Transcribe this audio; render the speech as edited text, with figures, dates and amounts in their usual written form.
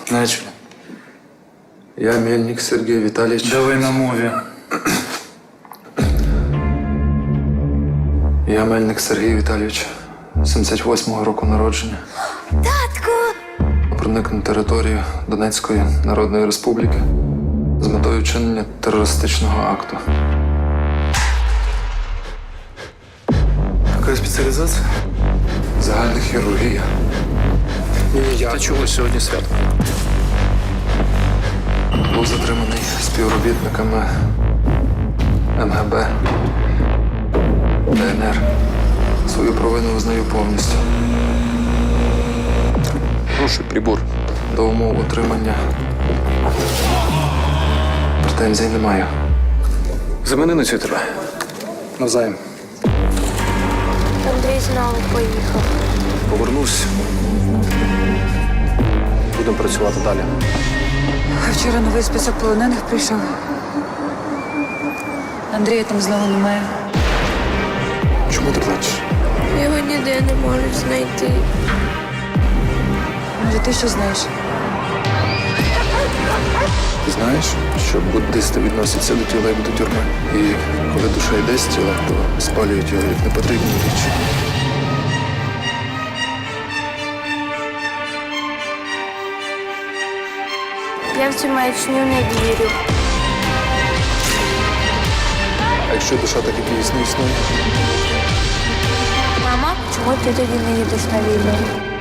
Начали. Я Мельник Сергій Віталійович. Давай на мові. Я Мельник Сергій Віталійович, 78-го року народження. Татку! Проник на територію Донецької Народної Республіки з метою вчинення терористичного акту. Яка спеціалізація? Загальна хірургія. Та чого сьогодні свято? Був затриманий співробітниками МГБ, ДНР. Свою провину визнаю повністю. Прошу, прибор. До умов отримання претензій не маю. Замени на цю тебе. Навзаєм. Андрій знову поїхав. Повернусь. Будемо працювати далі. Вчора новий список полонених прийшов. Андрія там знову немає. Чому ти плачеш? Його ніде не можуть знайти. Може, ти що знаєш? Ти знаєш, що буддисти відносяться до тіла як до тюрми. І коли душа йде з тіла, то спалюють його як непотрібні речі. Я в цю маячню не вірю. А якщо душа так і дійсно існує? Мама, чому ти тоді не їдеш на війну?